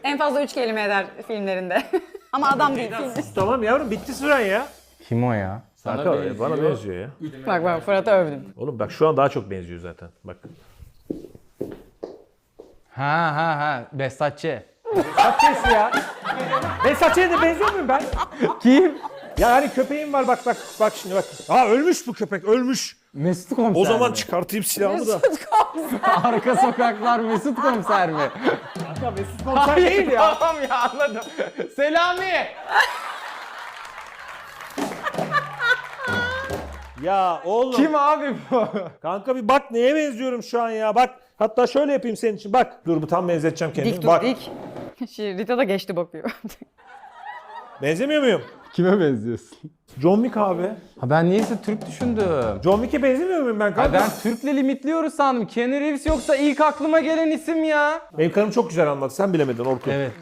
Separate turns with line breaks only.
En fazla 3 kelime eder filmlerinde. Ama adam değil.
Tamam yavrum bitti süren ya.
Kim o ya?
Kanka bana benziyor ya.
Bak Fırat'ı övdüm.
Oğlum bak şu an daha çok benziyor zaten. Bak.
Ha. Behzatçı.
Behzatçı'sı ya. Behzatçı'ya da benziyor muyum ben?
Kim?
Ya hani köpeğim var bak şimdi bak. Aa ölmüş bu köpek ölmüş.
Mesut Komiser
O zaman
mi?
çıkartayım silahımı da.
Arka sokaklar Mesut Komiser mi?
Ya Mesut Komiser değil ya.
Tamam ya anladım. Selami!
Ya oğlum.
Kim abi bu?
Kanka bir bak neye benziyorum şu an ya bak. Hatta şöyle yapayım senin için bak. Dur bu tam benzeteceğim kendimi.
Dik dur
bak.
dik. Rita da geçti bakıyor.
Benzemiyor muyum?
Kime benziyorsun?
John Wick abi.
Ha ben niyeyse Türk düşündüm.
John Wick'e benzemiyor muyum ben
Ha
kanka?
ben Türk'le limitliyoruz sandım. Keanu Reeves yoksa ilk aklıma gelen isim ya.
Benim karım çok güzel anlattı. Sen bilemedin Orkun.
Evet.